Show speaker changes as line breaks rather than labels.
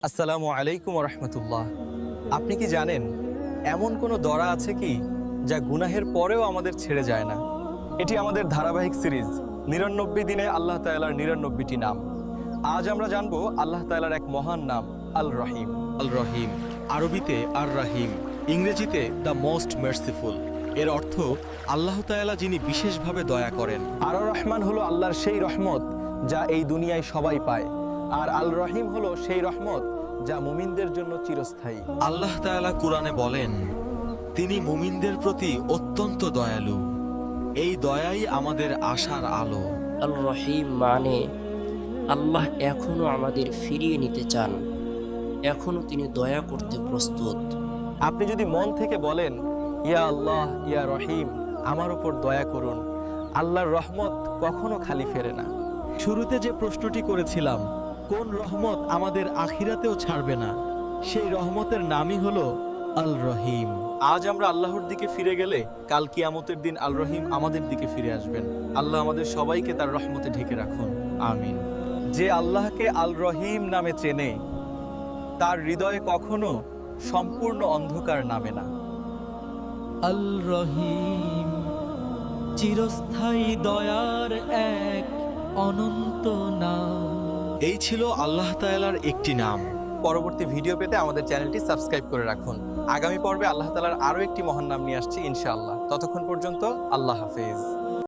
আসসালামু আলাইকুম রহমতুল্লাহ। আপনি কি জানেন এমন কোনো দরা আছে কি যা গুনাহের পরেও আমাদের ছেড়ে যায় না? এটি আমাদের ধারাবাহিক সিরিজ ৯৯ দিনে আল্লাহ তাআলার ৯৯টি নাম। আজ আমরা জানবো আল্লাহ তাআলার এক মহান নাম আল রহিম। আল রহিম আরবিতে আর রাহিম, ইংরেজিতে দ্য মোস্ট মার্সিফুল। এর অর্থ আল্লাহ তাআলা যিনি বিশেষভাবে দয়া করেন। আর রহমান হলো আল্লাহর সেই রহমত যা এই দুনিয়ায় সবাই পায়, আর আল রহিম হলো সেই রহমত যা মুমিনদের জন্য চিরস্থায়ী।
আল্লাহ তাআলা কুরআনে বলেন, তিনি মুমিনদের প্রতি অত্যন্ত দয়ালু। এই দয়াই আমাদের আশার আলো।
আল রহিম মানে আল্লাহ এখনো আমাদের ফিরিয়ে নিতে চান, এখনো তিনি দয়া করতে প্রস্তুত।
আপনি যদি মন থেকে বলেন, ইয়া আল্লাহ ইয়া রহিম, আমার উপর দয়া করুন, আল্লাহর রহমত কখনো খালি ফেরে না। শুরুতে যে প্রশ্নটি করেছিলাম, কোন রহমত আমাদের আখিরাতেও ছাড়বে না, সেই রহমতের নামই হলো আল রহিম। আজ আমরা আল্লাহর দিকে ফিরে গেলে কাল কিয়ামতের দিন আল রহিম আমাদের দিকে ফিরে আসবেন। আল্লাহ আমাদের সবাইকে তার রহমতে ঢেকে রাখুন, আমিন। যে আল্লাহকে আল রহিম নামে চেনে, তার হৃদয়ে কখনো সম্পূর্ণ অন্ধকার নামে না।
আল রহিম চিরস্থায়ী দয়ার এক অনন্ত নাম।
এই ছিল আল্লাহ তাআলার একটি নাম।
পরবর্তী ভিডিও পেতে আমাদের চ্যানেলটি সাবস্ক্রাইব করে রাখুন। আগামী পর্বে আল্লাহ তাআলার আরো একটি মহান নাম নিয়ে আসছি ইনশাআল্লাহ। ততক্ষণ পর্যন্ত আল্লাহ হাফেজ।